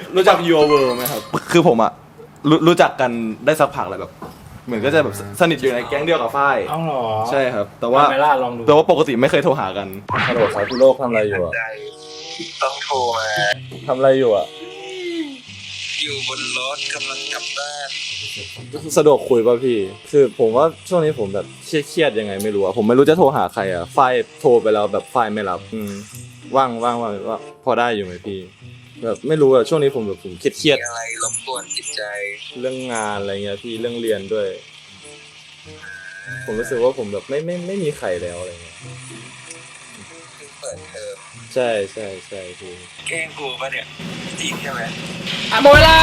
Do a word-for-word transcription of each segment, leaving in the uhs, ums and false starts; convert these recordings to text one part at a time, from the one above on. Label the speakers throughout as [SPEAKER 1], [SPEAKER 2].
[SPEAKER 1] รู้จัก Your World ไหมครับคือผมอะรู้รู้จักกันได้สักพักแล้วแบบเหมือนก็จะแบบสนิทอยู่ในแก๊งเดียวกับฝ้าย
[SPEAKER 2] อ้าวเหรอ
[SPEAKER 1] ใช่ครับแต่ว่า
[SPEAKER 2] ทำไมล่ะลองดู
[SPEAKER 1] แต่ว่าปกติไม่เคยโทรหากัน
[SPEAKER 3] ฮัลโหลครับพี่โลกทำอะไรอยู่อะ
[SPEAKER 4] ต้องโทรมา
[SPEAKER 3] ทำอะไรอยู่อะ
[SPEAKER 4] อยู่บนรถกำลังกลับบ้าน
[SPEAKER 3] สะดวกคุยป่ะพี่คือผมว่าช่วงนี้ผมแบบเครียดๆยังไงไม่รู้อะผมไม่รู้จะโทรหาใครอะฝ้ายโทรไปแล้วแบบฝ้ายไม่รับอืมว่างว่างว่างว่าพอได้อยู่ไหมพี่แบบไม่รู้อะช่วงนี้ผมแบบผมเครียด
[SPEAKER 4] มีอะไรรบกวนจิตใจ
[SPEAKER 3] ๆเรื่องงานอะไรเงี้ยพี่เรื่องเรียนด้วย ผมรู้สึกว่าผมแบบไม่ไม่ไม่มีใครแล้วอะไรเงี้ย
[SPEAKER 4] เพิ่งเปิดเทอม
[SPEAKER 3] ใช่ใช่ใช่พี่
[SPEAKER 4] แกล้งกูปะเนี่ยจริงใช่ไหม
[SPEAKER 2] อ่ะหมดเวลา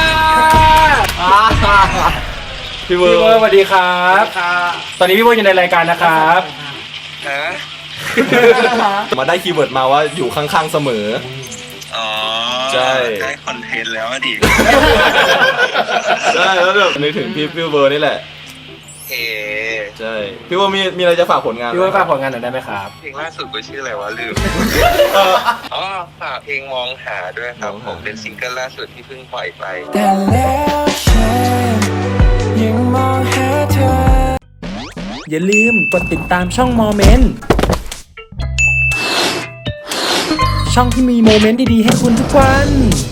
[SPEAKER 1] พี่เวอ
[SPEAKER 2] พี่
[SPEAKER 1] ร์
[SPEAKER 2] เวอร์สวัสดีครับตอนนี้พี่เวอร์อยู่ในรายการนะครับ
[SPEAKER 4] ฮะ
[SPEAKER 1] มาได้คีย์เวิร์ดมาว่าอยู่ข้างๆเสมอ
[SPEAKER 4] อ๋อ
[SPEAKER 1] ใช่
[SPEAKER 4] ได้คอนเทนต์แล้วอะดิ
[SPEAKER 1] ใช่แล้วแบบนึกถึงพี่พี่เวอร์นี่แหละ
[SPEAKER 4] เอ
[SPEAKER 1] ใช่พี่เวอร์มีมีอะไรจะฝากผลงานไหม
[SPEAKER 2] พี่เวอร์ฝากผลงานหน่อยได้ไหมครับ
[SPEAKER 4] เพลงล่าสุดกูชื่ออะไรวะลืม
[SPEAKER 1] เออ
[SPEAKER 4] อ๋อฝากเพลงมองหาด้วยครับ
[SPEAKER 1] มอง
[SPEAKER 4] ผ
[SPEAKER 1] หา
[SPEAKER 4] มเป็นซิงเกิลล่าสุดที่เพิ่งปล่อยไป
[SPEAKER 5] แต่แล้วฉันยังมองหาเธอ
[SPEAKER 2] อย่าลืมกดติดตามช่องโมเมนต์ช่องที่มีโมเมนต์ดีๆให้คุณทุกวัน